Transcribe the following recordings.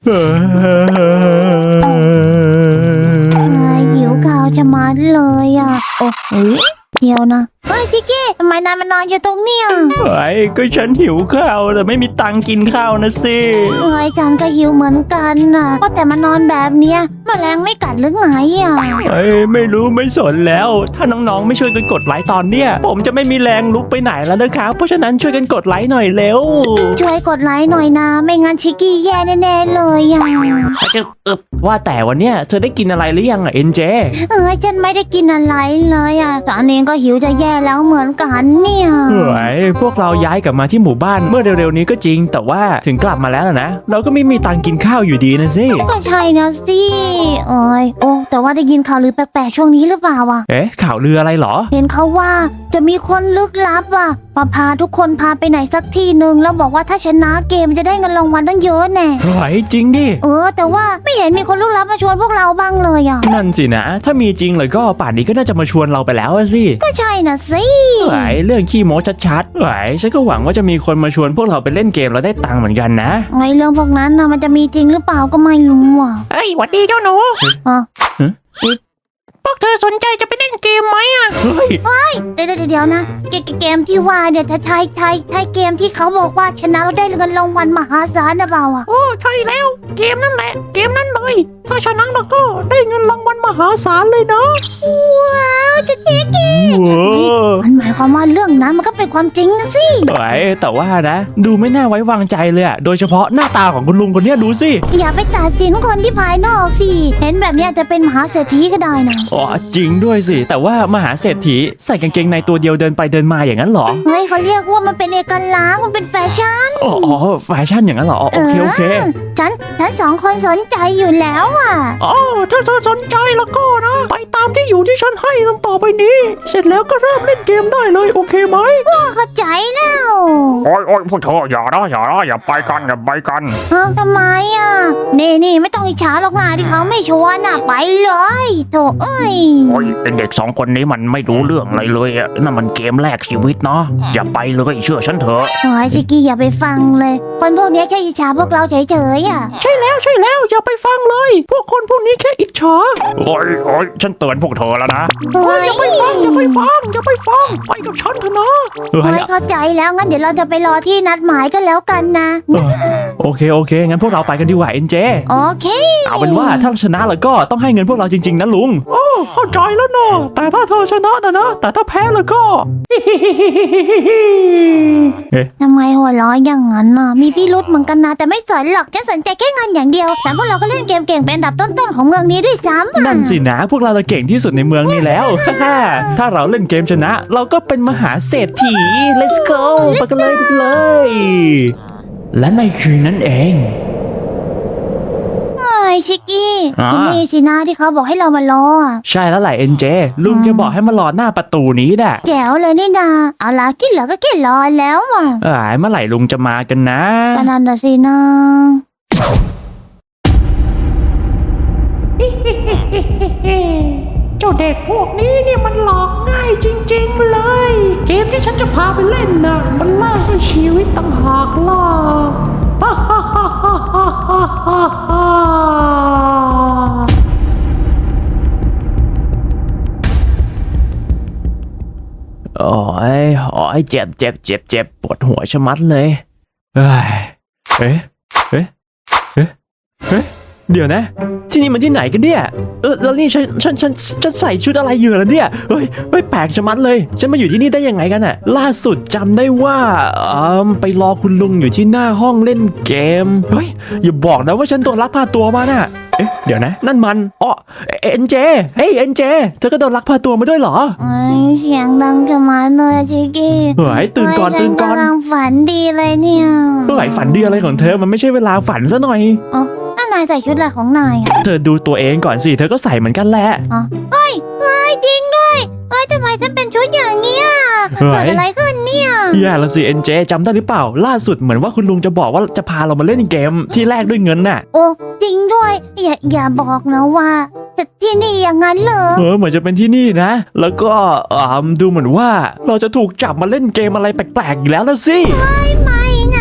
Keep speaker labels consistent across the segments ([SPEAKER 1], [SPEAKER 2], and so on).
[SPEAKER 1] หิวข้าวจะมาเลยอ่ะโอ้ยเดี๋ยวนะเฮ้ยชิคกี้ทำไมนายมานอนอยู่ตรงเนี้ย
[SPEAKER 2] ก็ฉันหิวข้าวแต่ไม่มีตังค์กินข้าวนะสิ
[SPEAKER 1] ฉันก็หิวเหมือนกันน่ะก็แต่มานอนแบบเนี้ยแมลงไม่กัดหรือไงอ่ะ
[SPEAKER 2] ไม่รู้ไม่สนแล้วถ้าน้องๆไม่ช่วยกันกดไลค์ตอนเนี้ยผมจะไม่มีแรงลุกไปไหนแล้วนะครับเพราะฉะนั้นช่วยกันกดไลค์หน่อยเร็ว
[SPEAKER 1] ช่วยกดไลค์หน่อยนะไม่งั้นชิคกี้แย่แน่ๆเลยอ่ะ
[SPEAKER 2] ว่าแต่วันเนี้ยเธอได้กินอะไรหรือยังอ่ะเอ็นเจ
[SPEAKER 1] ฉันไม่ได้กินอะไรเลยอ่ะตอนนี้ก็หิวจะแย่แล้วเหมือนกันเนี่ย
[SPEAKER 2] พวกเราย้ายกลับมาที่หมู่บ้านเมื่อเร็วๆนี้ก็จริงแต่ว่าถึงกลับมาแล้วนะเราก็ไม่มีตังค์กินข้าวอยู่ดีนะสิ
[SPEAKER 1] ก็ใช่นะสิแต่ว่าได้ยินข่าวลือแปลกๆช่วงนี้หรือเปล่าวะ
[SPEAKER 2] ข่าวลืออะไรหรอ
[SPEAKER 1] เห็นเขาว่าจะมีคนลึกลับอ่ะพาทุกคนพาไปไหนสักที่หนึ่งแล้วบอกว่าถ้าชนะเกมจะได้เงินรางวัลตั้งเยอะแน่
[SPEAKER 2] จริงดิ
[SPEAKER 1] แต่ว่าไม่เห็นมีคนลึกลับมาชวนพวกเราบ้างเลยอ่ะ
[SPEAKER 2] นั่นสินะถ้ามีจริงเลยก็ป่านนี้ก็น่าจะมาชวนเราไปแล้วสิ
[SPEAKER 1] ก็ใช่นะสิ
[SPEAKER 2] เรื่องขี้โม้ชัดๆฉันก็หวังว่าจะมีคนมาชวนพวกเราไปเล่นเกมแล้วได้ตังค์เหมือนกันนะ
[SPEAKER 1] เรื่องพวกนั้นนะมันจะมีจริงหรือเปล่าก็ไม่รู้อ่ะ
[SPEAKER 3] หวัดดีเจ้าหนูพวกเธอสนใจจะไปเล่นเกมไหมอ่ะ
[SPEAKER 1] เดี๋ยวนะเกมที่ว่าเดี๋ยวถ้าใช่เกมที่เขาบอกว่าชนะเราได้เงินรางวัลมหาศาลนะเปล่าอ่ะ
[SPEAKER 3] ใช่แล้วเกมนั่นแหละเกมนั้นเลยถ้าชนะเราก็ได้เงินรางวัลมหาศาลเลยนะ
[SPEAKER 1] ว้าวจะเจ๊กี้มันหมายความว่าเรื่องนั้นมันก็เป็นความจริงนะสิ
[SPEAKER 2] แต่ว่านะดูไม่น่าไว้วางใจเลยอะโดยเฉพาะหน้าตาของคุณลุงคนนี้ดูสิ
[SPEAKER 1] อย่าไปตัดสินคนที่ภายนอกสิเห็นแบบนี้จะเป็นมหาเศรษฐีก็ได้นะ
[SPEAKER 2] จริงด้วยสิแต่ว่ามหาเศรษฐีใส่กางเกงในตัวเดียวเดินไปเดินมาอย่างนั้นหรอ
[SPEAKER 1] เขาเรียกว่ามันเป็นเอกลักษณ์มันเป็นแฟชั่น
[SPEAKER 2] แฟชั่นอย่างนั้นหรอโอเค
[SPEAKER 1] ฉันสองคนสนใจอยู่แล้วอ่ะ
[SPEAKER 3] ถ้าเธอสนใจแล้วก็นะไปตามที่อยู่ที่ฉันให้ต่อไปนี้เสร็จแล้วก็เริ่มเล่นเกมได้เลยโอเคไหม
[SPEAKER 1] เข้าใจแล้ว
[SPEAKER 4] พวกเธออย่าไปกัน
[SPEAKER 1] ทำไมอ่ะนี่ไม่ต้องอิจฉาหรอกนะที่เขาไม่ชวนอ่ะไปเลยโถ
[SPEAKER 4] เด็กสองคนนี้มันไม่รู้เรื่องอะไรเลยอ่ะนั่นมันเกมแรกชีวิตเนาะอย่าไปเลยเชื่อฉันเถอะ
[SPEAKER 1] ชิคกี้อย่าไปฟังเลยคนพวกนี้แค่อิจฉาพวกเราเฉยๆอ่ะ
[SPEAKER 3] ใช่แล้วอย่าไปฟังเลยพวกคนพวกนี้แค่อิจฉา
[SPEAKER 4] ฉันเตือนพวกเธอแล้วนะ
[SPEAKER 3] อย่าไปฟังไปกับฉันเถอะนะ
[SPEAKER 1] เข้าใจแล้วงั้นเดี๋ยวเราจะไปรอที่นัดหมายกันแล้วกันนะ
[SPEAKER 2] โอเคงั้นพวกเราไปกันดีกว่าเอ็นเจ
[SPEAKER 1] โอเค
[SPEAKER 2] เอาเป็นว่าถ้าชนะแล้วก็ต้องให้เงินพวกเราจริงๆนะลุง
[SPEAKER 3] เข้าใจแล้วเนาะแต่ถ้าเธอชนะนะแต่ถ้าแพ้แล้วก็
[SPEAKER 1] ทำไมหัวร้อนอย่างนั้นน่ะมีพี่รุธเหมือนกันนะแต่ไม่สนหรอกจะสนใจแค่เงินอย่างเดียวแต่พวกเราก็เล่นเกมเก่งเป็นอันดับต้นๆของเมืองนี้ด้วยซ้ำ
[SPEAKER 2] นั่นสินะพวกเราเก่งที่สุดในเมืองนี้แล้วถ้าเราเล่นเกมชนะเราก็เป็นมหาเศรษฐี let's go ไปกันเลยและในคืนนั้นเอง
[SPEAKER 1] ชิคกี้ที่นี่สินะที่เขาบอกให้เรามารอ
[SPEAKER 2] ใช่แล้วแหละเอ็นเจลุงจะบอกให้มารอหน้าประตูนี้แหละ
[SPEAKER 1] แจ๋วเลยนี่นาเอาล่ะกินเหลือก็แค่รอแล้วอ่ะ
[SPEAKER 2] เมื่อไหร่ลุงจะมากันนะ
[SPEAKER 1] ก็นั่นน่ะสินะ
[SPEAKER 3] เจ้าเด็กพวกนี้นี่มันหลอกง่ายจริงๆเลยเกมที่ฉันจะพาไปเล่นน่ะมันแลกด้วยชีวิตต่างหากล่ะ
[SPEAKER 2] เจ็บปวดหัวชะมัดเลยเดี๋ยวนะที่นี่มันที่ไหนกันเนี่ยแล้วนี่ฉันใส่ชุดอะไรอยู่ล่ะเนี่ยไม่แปลกชะมัดเลยฉันมาอยู่ที่นี่ได้ยังไงกันน่ะล่าสุดจำได้ว่าไปรอคุณลุงอยู่ที่หน้าห้องเล่นเกมอย่าบอกนะว่าฉันโดนลักพาตัวมาน่ะเดี๋ยวนะนั่นมันเอ็นเจเอ็นเจเธอก็โดนลักพาตัวมาด้วยเหรอ
[SPEAKER 1] เสียงดังชะมัดเลยชิคกี้
[SPEAKER 2] ตื่นก่อน
[SPEAKER 1] กำลังฝันดีเลยเนี่ย
[SPEAKER 2] ฝันดีอะไรของเธอมันไม่ใช่เวลาฝันซะหน่อย
[SPEAKER 1] นายใส่ชุดอะไรของนาย
[SPEAKER 2] เธอดูตัวเองก่อนสิเธอก็ใส่เหมือนกันแหละ
[SPEAKER 1] จริงด้วยทำไมฉันเป็นชุดอย่างเงี้ยเกิดอะไรขึ้นเนี่ย
[SPEAKER 2] แย่ละสิเอ็นเจจำได้หรือเปล่าล่าสุดเหมือนว่าคุณลุงจะบอกว่าจะพาเรามาเล่นเกมที่แรกด้วยเงินน่ะ
[SPEAKER 1] จริงด้วยอย่าบอกนะว่าที่นี่อย่างนั้นเลย
[SPEAKER 2] เหมือนจะเป็นที่นี่นะแล้วก็ดูเหมือนว่าเราจะถูกจับมาเล่นเกมอะไรแปลกๆอีกแล้วละสิ
[SPEAKER 1] ไม่นะ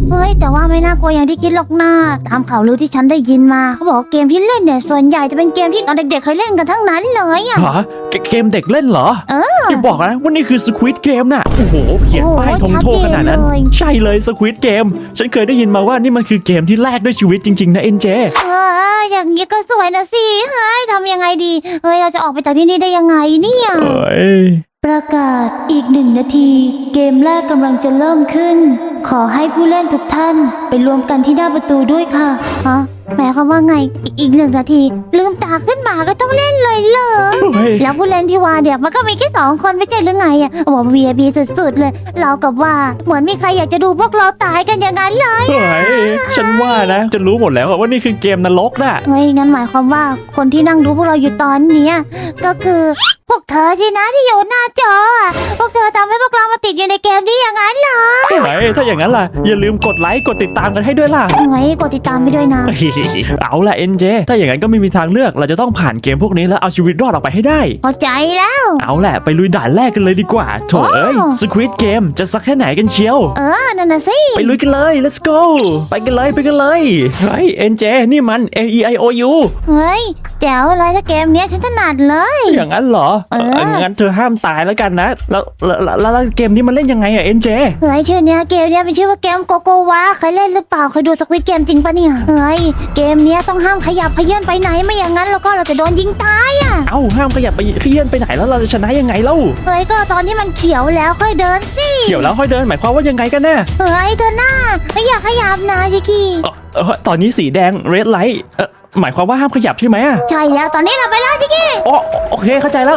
[SPEAKER 1] เฮ้ยแต่ว่าไม่น่ากลัวอย่างที่คิดหรอกนะตามข่าวลือที่ฉันได้ยินมาเขาบอกว่าเกมที่เล่นเนี่ยส่วนใหญ่จะเป็นเกมที่ตอนเด็กๆเคยเล่นกันทั้งนั้นเลยอะ
[SPEAKER 2] ฮะเกมเด็กเล่นเหรอ อย่าบอกนะว่านี่คือ Squid Game น่ะโอ้โหเขียนป้ายธงโทษขนาดนั้น ใช่เลย Squid Game ฉันเคยได้ยินมาว่านี่มันคือเกมที่แลกด้วยชีวิตจริงๆนะเอ็นเจ
[SPEAKER 1] อย่างนี้ก็สวยนะสิเฮ้ยทำยังไงดีเฮ้ยเราจะออกไปจากที่นี่ได้ยังไงเนี่ย
[SPEAKER 2] เอ้ย
[SPEAKER 1] ประกาศอีก1 นาที เกมแรกกำลังจะเริ่มขึ้น ขอให้ผู้เล่นทุกท่านไปรวมกันที่หน้าประตูด้วยค่ะฮะหมายความว่าไงอีก1 นาที ลืมตาขึ้นมาก็ต้องเล่นเลยเหรอ
[SPEAKER 2] เฮ้ย
[SPEAKER 1] แล้วผู้เล่นที่ว่าเดี๋ยวมันก็มีแค่2 คนไม่ใช่หรือไงอ่ะบอก VIP สุดๆเลย เรากับว่าเหมือนมีใครอยากจะดูพวกเราตายกันอย่างนั้นเลย
[SPEAKER 2] เฮ้ย ฉันว่านะ จะรู้หมดแล้วว่านี่คือเกมนรกน่ะ
[SPEAKER 1] เฮ้ยงั้นหมายความว่าคนที่นั่งดูพวกเราอยู่ตอนเนี้ยก็คือพวกเธอสินะที่อยู่หน้าจออะพวกเธอทำให้พวกเรามาติดอยู่ในเกมนี้อย่างนั้นเหรอ
[SPEAKER 2] เฮ้ย ถ้าอย่างนั้นล่ะ อย่าลืมกดไลค์ กดติดตามกันให้ด้วยล่ะ
[SPEAKER 1] เฮ้ยกดติดตามไปด้วยนะ
[SPEAKER 2] เอาล่ะเอ็นเจ ถ้าอย่างนั้นก็ไม่มีทางเลือก เราจะต้องผ่านเกมพวกนี้แล้วเอาชีวิตรอดออกไปให้ได้
[SPEAKER 1] เข้าใจแล้ว
[SPEAKER 2] เอาแหละไปลุยด่านแรกกันเลยดีกว่า โถเอ้ย Squid Game จะสักแค่ไหนกันเชียว
[SPEAKER 1] นั่นน่ะสิ
[SPEAKER 2] ไปลุยกันเลย let's go ไปกันเลยไปกันเลย เฮ้ยเอ็นเจ นี่มัน AEIOU
[SPEAKER 1] เฮ้ยแจ๋วเลยถ้าเกมเนี้ยฉันถนัดเลย
[SPEAKER 2] อย่างนั้นเหรอ งั้นเธอห้ามตายแล้วกันนะ แล้วเกมนี้มันเล่นยังไงอะเอ็นเจ
[SPEAKER 1] เฮ้ยชื่อเนี้ยเกมเนี้ยเป็นชื่อว่าเกมโกโกวาเคยเล่นหรือเปล่าเคยดูสควิดเกมจริงปะเนี่ยเฮ้ยเกมเนี้ยต้องห้ามขยับเขยื่อนไปไหนไม่อย่างนั้นแล้วก็เราจะโดนยิงตายอ่ะ
[SPEAKER 2] เอ้าห้ามขยับไปเคลื่อนไปไหนแล้วเราจะชนะยังไงเล่า
[SPEAKER 1] เฮ้ยก็ตอนที่มันเขียวแล้วค่อยเดินสิ
[SPEAKER 2] เดี๋ยวแล้วค่อยเดินหมายความว่ายังไงกันแน่
[SPEAKER 1] เฮ้ยเธอหน้าไม่อยากขยับนะชิคกี้
[SPEAKER 2] ตอนนี้สีแดง red light หมายความว่าห้ามขยับใช่ไหมอะ
[SPEAKER 1] ใช่แล้วตอนนี้เราไปแล้วชิคกี้
[SPEAKER 2] อ๋อโอเคเข้าใจแล้ว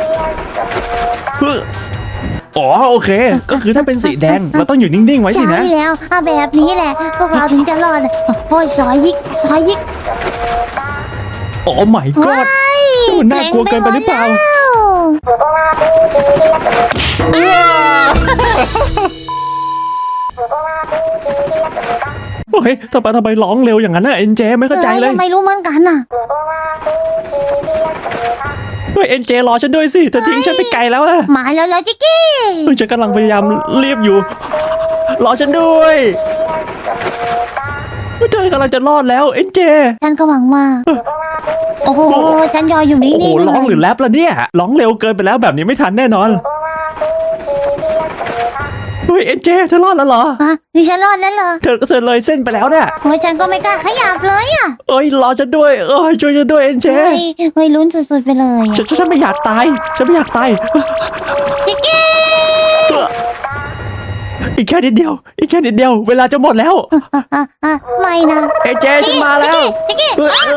[SPEAKER 2] อ๋อโอเค ก็คือถ้าเป็นสีแดงเราต้องอยู่นิ่งๆไว้สิ
[SPEAKER 1] ใช่
[SPEAKER 2] นะ
[SPEAKER 1] แล้วแบบนี้แหละ พวกเราถึงจะรอดโอ้ยซอยยิกซอยยิก
[SPEAKER 2] โอ้ my god มันน่ากลัวเกินไปหรือเปล่า โอ้ยทำไมร้องเร็วอย่างนั้นน่ะเอ็นเจไม่เข้าใจเลย
[SPEAKER 1] ไม่รู้เหมือนกันน่ะ
[SPEAKER 2] เฮ้ยเอ็นเจรอฉันด้วยสิเธอทิ้งฉันไปไกลแล้วอะ
[SPEAKER 1] มาแล้วจิกกี้
[SPEAKER 2] เฮ้ยฉันกำลังพยายามรีบอยู่ รอฉันด้วยเธอกำลังจะรอดแล้วเอ็นเจ
[SPEAKER 1] ฉันก็หวังว่า โอ้โห ฉันยออยู่นิ่
[SPEAKER 2] โอ้โห
[SPEAKER 1] งๆ
[SPEAKER 2] ร้องหรือแรปล่ะเนี่ยร้องเร็วเกินไปแล้วแบบนี้ไม่ทันแน่นอนเฮ้ยเอ็นเจเธอรอดแล้วเหรอ
[SPEAKER 1] นี่ฉันรอดแล้วเหรอ
[SPEAKER 2] เธอเลยเส้นไปแล้วเนี่ย
[SPEAKER 1] โอ้ยฉันก็ไม่กล้าขยับเลยอ่ะ
[SPEAKER 2] เอ้ยรอฉันด้วยช่วยฉันด้วยเอ็นเจ
[SPEAKER 1] เฮ้ยลุ้นสุดๆไปเลย
[SPEAKER 2] ฉันไม่อยากตายฉันไม่อยากตาย
[SPEAKER 1] จิกกี้
[SPEAKER 2] อีกแค่นิดเดียวเวลาจะหมดแล้ว
[SPEAKER 1] ไม่นะ
[SPEAKER 2] เอ็นเจฉันมาแล้ว
[SPEAKER 1] จิกกี้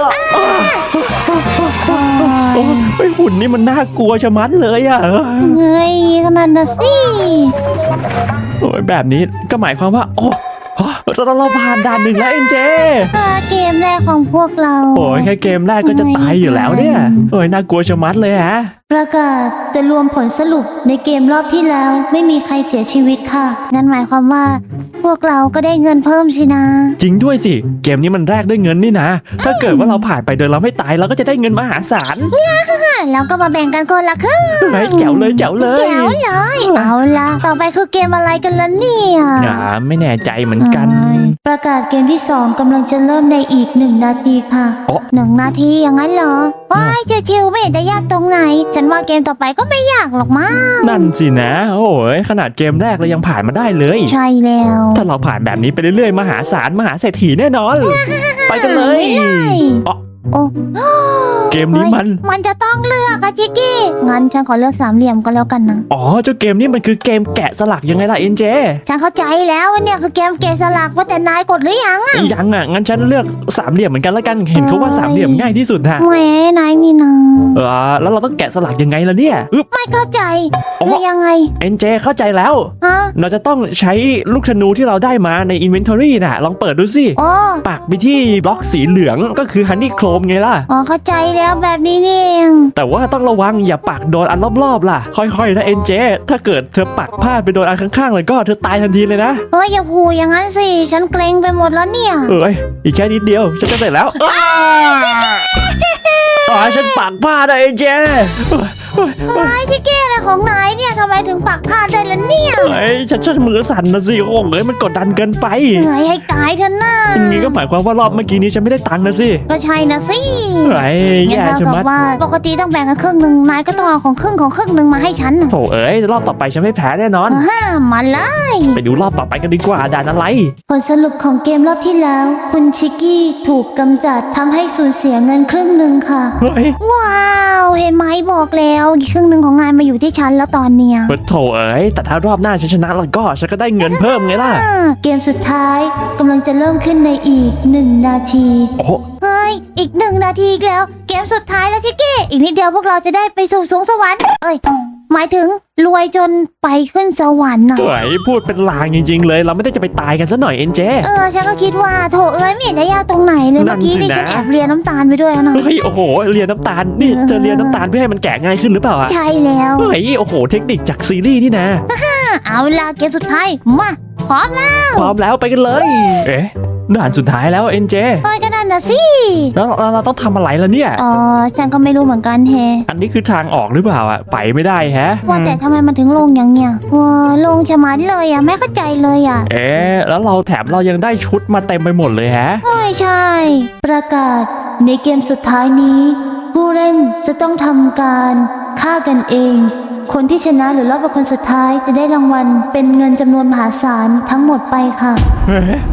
[SPEAKER 2] โอ้ยหุ่นนี่มันน่ากลัวชะมัดเลยอ่ะ
[SPEAKER 1] เฮ้ยขนาดน่ะสิ
[SPEAKER 2] โอ้ยแบบนี้ก็หมายความว่าโอ้เราผ่านด่านหนึ่งแล้วเอ็นเจ
[SPEAKER 1] เกมแรกของพวกเรา
[SPEAKER 2] โอ้ยแค่เกมแรกก็จะตายอยู่แล้วเนี่ยโอ้ยน่ากลัวชะมัดเลยฮะ
[SPEAKER 1] ประกาศจะรวมผลสรุปในเกมรอบที่แล้วไม่มีใครเสียชีวิตค่ะ งั้นหมายความว่า พวกเราก็ได้เงินเพิ่มสินะ
[SPEAKER 2] จริงด้วยสิเกมนี้มันแรกด้วยเงินนี่นะ ถ้าเกิดว่าเราผ่านไปโดยเราไม่ตายเราก็จะได้เงินมหาศาล
[SPEAKER 1] แล้วก็มาแบ่งกันคนละครึ่ง
[SPEAKER 2] เฮ้ยแจ๋วเลย
[SPEAKER 1] แจ๋วเลย เอาละต่อไปคือเกมอะไรกันล่ะเนี่ย
[SPEAKER 2] ไม่แน่ใจเหมือนกัน
[SPEAKER 1] ประกาศเกมที่ 2กำลังจะเริ่มในอีก1 นาทีค่ะ
[SPEAKER 2] โอ้
[SPEAKER 1] 1 นาทีอย่างนั้นเหรอว้ายชิวๆไม่เห็นจะยากตรงไหน ฉันว่าเกมต่อไปก็ไม่ยากหรอกมั้ง
[SPEAKER 2] นั่นสินะ โอ้ยขนาดเกมแรกเรายังผ่านมาได้เลย
[SPEAKER 1] ใช่แล้ว
[SPEAKER 2] ถ้าเราผ่านแบบนี้ไปเรื่อยๆมหาศาลมหาเศรษฐีแน่นอน ไปกันเลย อ๋อ
[SPEAKER 1] โอ้
[SPEAKER 2] เกมนี้มัน
[SPEAKER 1] มันจะต้องเลือกอะจิกกี้ งั้นฉันขอเลือก3 เหลี่ยมก็แล้วกันนะ
[SPEAKER 2] อ๋อเจ้าเกมนี้มันคือเกมแกะสลักยังไงล่ะเอ็นเจ
[SPEAKER 1] ฉันเข้าใจแล้วว่าเนี่ยคือเกมเกมสลักว่าแต่นายกดหรือยังอะ
[SPEAKER 2] ยังอ่ะงั้นฉันเลือกสามเหลี่ยมเหมือนกันแล้วกันเห็นเขาว่าสามเหลี่ยมง่ายที่สุดฮะ
[SPEAKER 1] แหมนายนี่นะ
[SPEAKER 2] แล้วเราต้องแกะสลักยังไงล่ะเนี่ยอึ๊บ
[SPEAKER 1] ไม่เข้าใจ
[SPEAKER 2] อ๋อ
[SPEAKER 1] คือยังไง
[SPEAKER 2] เอ็นเจเข้าใจแล้ว
[SPEAKER 1] ฮะ
[SPEAKER 2] เราจะต้องใช้ลูกธนูที่เราได้มาใน Inventory น่ะ ลองเปิดดูสิ
[SPEAKER 1] โอ้
[SPEAKER 2] ปักไปที่บล็อกสีเหลืองก็คือ Honey Chrome ไงล่ะ
[SPEAKER 1] อ๋อเข้าใจแล้วแบบนี้นี่เอง
[SPEAKER 2] แต่ว่าต้องระวังอย่าปักโดนอันรอบๆล่ะ ค่อยๆนะเอ็นเจถ้าเกิดเธอปักพลาดไปโดนอันข้างๆเลยก็เธอตายทันทีเลยนะ
[SPEAKER 1] เฮ้ยอย่าพูดอย่างนั้นสิ ฉันเกรงไปหมดแล้วเนี่ย
[SPEAKER 2] เอ้ยอีกแค่นิดเดียวฉันจะเสร็จแล้วฉันปักพลาดนะเอ็นเจ
[SPEAKER 1] เฮ้ยที่เก้อะไรของนายเนี่ยทำไมถึงปักพลาดได้ล่ะเนี่ย
[SPEAKER 2] เฮ้ยฉันมือสั่นนะสิโอ้ยมันกดดันเกินไป
[SPEAKER 1] เหนื่อยให้ตายเถอะนะ
[SPEAKER 2] อย่างนี้ก็หมายความว่ารอบเมื่อกี้นี้ฉันไม่ได้ตังค์นะสิ
[SPEAKER 1] ก็ใช่นะสิ
[SPEAKER 2] เฮ้ย
[SPEAKER 1] งั้
[SPEAKER 2] แย่
[SPEAKER 1] น
[SPEAKER 2] ชะ
[SPEAKER 1] เท่า
[SPEAKER 2] มั
[SPEAKER 1] กั
[SPEAKER 2] ด
[SPEAKER 1] บว่าปกติต้องแบ่งกันครึ่งหนึ่งนายก็ต้องเอาของครึ่งหนึ่งมาให้ฉันน่ะ
[SPEAKER 2] โถเอ้ยรอบต่อไปฉันไม่แพ้แน่นอน
[SPEAKER 1] มาเลย
[SPEAKER 2] ไปดูรอบต่อไปกันดีกว่าด่านอะไร
[SPEAKER 1] ผลสรุปของเกมรอบที่แล้ว คุณชิกกี้ถูกกำจัดทำให้สูญเสียเงินครึ่งหนึ่งค่ะ
[SPEAKER 2] เฮ้ย
[SPEAKER 1] ว้าวเห็นไหมบอกแล้วอีกครึ่งหนึ่งของนายมาอยู่ที่ฉันแล้วตอนเนี้ย
[SPEAKER 2] โถเอ้ยแต่ถ้ารอบหน้าฉันชนะแล้วก็ฉันก็ได้เงินเพิ่มไงล่ะ
[SPEAKER 1] เกมสุดท้ายกำลังจะเริ่มขึ้นในอีก1 นาที
[SPEAKER 2] โอ้โห
[SPEAKER 1] เฮ้ยอีก1 นาทีอีกแล้ว เกมสุดท้ายแล้วชิกกี้อีกนิดเดียวพวกเราจะได้ไปสู่สวงสวรรค์หมายถึงรวยจนไปขึ้นสวรรค์น่ะ
[SPEAKER 2] เฮ้ยพูดเป็นลางจริง ๆ เลย เราไม่ได้จะไปตายกันซะหน่อยเอ็นเจ
[SPEAKER 1] ฉันก็คิดว่าโถไม่เห็นจะยากตรงไหนเลย
[SPEAKER 2] นั่
[SPEAKER 1] เมื่อน กี้
[SPEAKER 2] สิ
[SPEAKER 1] นี่
[SPEAKER 2] นะ
[SPEAKER 1] ฉันแอบเรียนน้ำตาลไปด้วยนะ
[SPEAKER 2] เฮ้ยโอ้โหเรียนน้ำตาลนี่เธอเรียนน้ำตาลเพื่อให้มันแกะง่ายขึ้นหรือเปล่าอะ
[SPEAKER 1] ใช่แล้ว
[SPEAKER 2] เฮ้ยโอ้โหเทคนิคจากซีรีส์นี่นะ
[SPEAKER 1] เอาล่ะเกมสุดท้ายมาพร้อมแล้ว
[SPEAKER 2] พร้อมแล้วไปกันเลย เอ๊ะด่านสุดท้ายแล้วเอ็นเจ
[SPEAKER 1] ก็นั่นนะสิ
[SPEAKER 2] แล้วเราต้องทำอะไรล่ะเนี่ย
[SPEAKER 1] ฉันก็ไม่รู้เหมือนกันแฮ
[SPEAKER 2] อันนี้คือทางออกหรือเปล่าอะไปไม่ได้แฮะ
[SPEAKER 1] ว่าแต่ทำไมมันถึงลงอย่างเนี้ยลงชะมัดเลยไม่เข้าใจเลย
[SPEAKER 2] เอ๊ะแล้วเราแถมเรายังได้ชุดมาเต็มไปหมดเลยแฮะ
[SPEAKER 1] ไม่ใช่ ประกาศในเกมสุดท้ายนี้ ผู้เล่นจะต้องทำการฆ่ากันเอง คนที่ชนะหรือรอบเป็นคนสุดท้ายจะได้รางวัลเป็นเงินจำนวนมหาศาลทั้งหมดไปค่ะ
[SPEAKER 2] เฮ้ย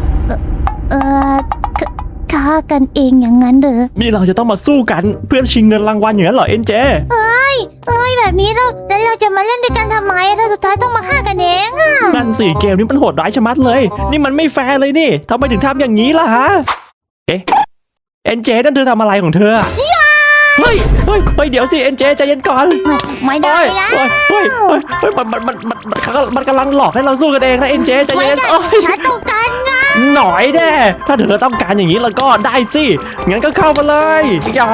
[SPEAKER 1] ฆ่ากันเองอย่างนั้นเหรอ
[SPEAKER 2] นี่เราจะต้องมาสู้กันเพื่อชิงเงินรางวัลอย่างนั้นเหรอเอ็นเจ
[SPEAKER 1] แบบนี้แล้วเราจะมาเล่นด้วยกันทำไมถ้าสุดท้ายต้องมาฆ่ากันเองอะ
[SPEAKER 2] นั่นสิเกมนี้มันโหดร้ายชะมัดเลย นี่มันไม่แฟร์เลยนี่ทำไมถึงทำอย่างนี้ล่ะฮะ เอ๊ะเอ็นเจนั่นเธอทำอะไรของเธออะเฮ้ยเดี๋ยวสิเอ็นเจใจเย็นก่อน
[SPEAKER 1] ไม่ได้ละ
[SPEAKER 2] เฮ้ยมันกำลังหลอกให้เราสู้กันเองนะเอ็นเจใจ
[SPEAKER 1] ไม่
[SPEAKER 2] เย็น
[SPEAKER 1] ได้
[SPEAKER 2] โอ้ย
[SPEAKER 1] ฉันต้องการเงิน
[SPEAKER 2] หน่อยแน่ถ้าเธอต้องการอย่างนี้แล้วก็ได้สิงั้นก็เข้ามาเลยอย่า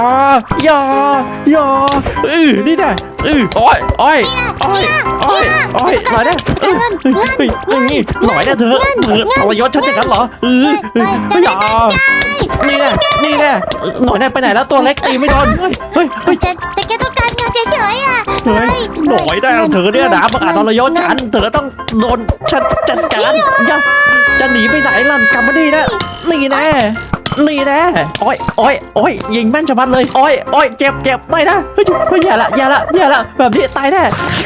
[SPEAKER 2] นี่แน่โอ้ยหน่อยแน่นี่หน่อยแน่เธอทรยศฉันอย่างนั้นเหรออย่านี่แน่หน่อยแน่ไปไหนแล้วตัวเล็กตีไม่โดนเฮ้ย
[SPEAKER 1] จะแค่ต้องการเงินเฉยๆอะ
[SPEAKER 2] หน่อยแน่เธอเนี่ยนะประกาศทรยศฉันเธอต้องโดนฉันจัดการอย่าจะหนีไปไหนล่ะกลับมาดีนะนี่แน่โอ้ยยิงแม่นชะมัดเลยโอ้ยเจ็บไม่นะเฮ้ยอย่าละแบบนี้ตายแน่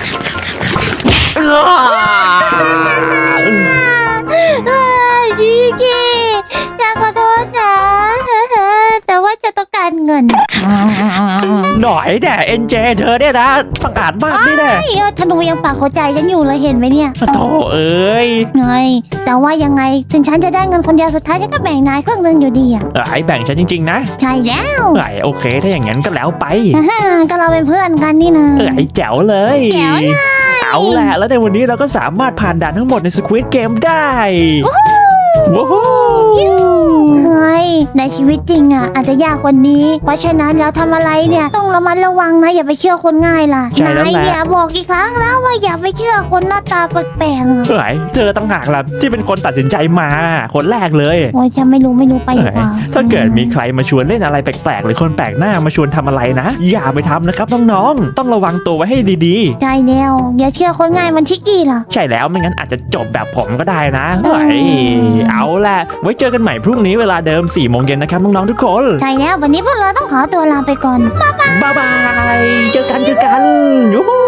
[SPEAKER 1] จีจีฉันขอโทษนะแต่ว่าจะต้องการเงิน
[SPEAKER 2] หน่อยแน่เอ็นเจเธอเนี่ยนะประกาศมากนี่แน่
[SPEAKER 1] ธนูยังปากหัวใจฉันอยู่เลยเห็นไหมเนี่ย
[SPEAKER 2] โธ่เอ้ย
[SPEAKER 1] เงยแต่ว่ายังไงถึงฉันจะได้เงินคนเดียวสุดท้ายฉันก็แบ่งนายครึ่งหนึงอยู่ดีอ่ะ
[SPEAKER 2] ไอ้แบ่งฉันจริงๆนะ
[SPEAKER 1] ใช่แล้ว
[SPEAKER 2] โอเคถ้าอย่างนั้นก็แล้วไป
[SPEAKER 1] ก็เราเป็นเพื่อนกันนี่นะ
[SPEAKER 2] ไอ้แจ๋วเลย
[SPEAKER 1] แจ๋วเลย
[SPEAKER 2] เอาแหละแล้วในวันนี้เราก็สามารถผ่านด่านทั้งหมดใน Squid Game ได้ว้าว
[SPEAKER 1] เฮ้ยในชีวิตจริงอ่ะอาจจะยากกว่านี้ เพราะฉะนั้นแล้วทำอะไรเนี่ยต้องระมัดระวังนะอย่าไปเชื่อคนง่ายล่ะ
[SPEAKER 2] ใช่แล้ว
[SPEAKER 1] นาย
[SPEAKER 2] แหละ
[SPEAKER 1] อย่าบอกอีกครั้งแล้วว่าอย่าไปเชื่อคนหน้าตาแปลกๆอะ
[SPEAKER 2] เธอตั้งหากล่ะที่เป็นคนตัดสินใจมาคนแรกเลย
[SPEAKER 1] โอ้ยฉันไม่รู้ไปดีกว่า
[SPEAKER 2] ถ้าเกิดมีใครมาชวนเล่นอะไรแปลกๆหรือคนแปลกหน้ามาชวนทำอะไรนะ อย่าไปทำนะครับน้องๆต้องระวังตัวไว้ให้ดี
[SPEAKER 1] ใช่แล้วอย่าเชื่อคนง่ายมันชิกกี้ล่ะ
[SPEAKER 2] ๆ ใช่แล้วไม่งั้นอาจจะจบแบบผมก็ได้นะเอาล่ะไว้เจอกันใหม่พรุ่งนี้เวลาเดิม 4 โมงเย็นนะครับน้องๆทุกคน
[SPEAKER 1] ใช่แล้ววันนี้พวกเราต้องขอตัวลาไปก่อน
[SPEAKER 2] บ๊ายบายเจอกันยูฮู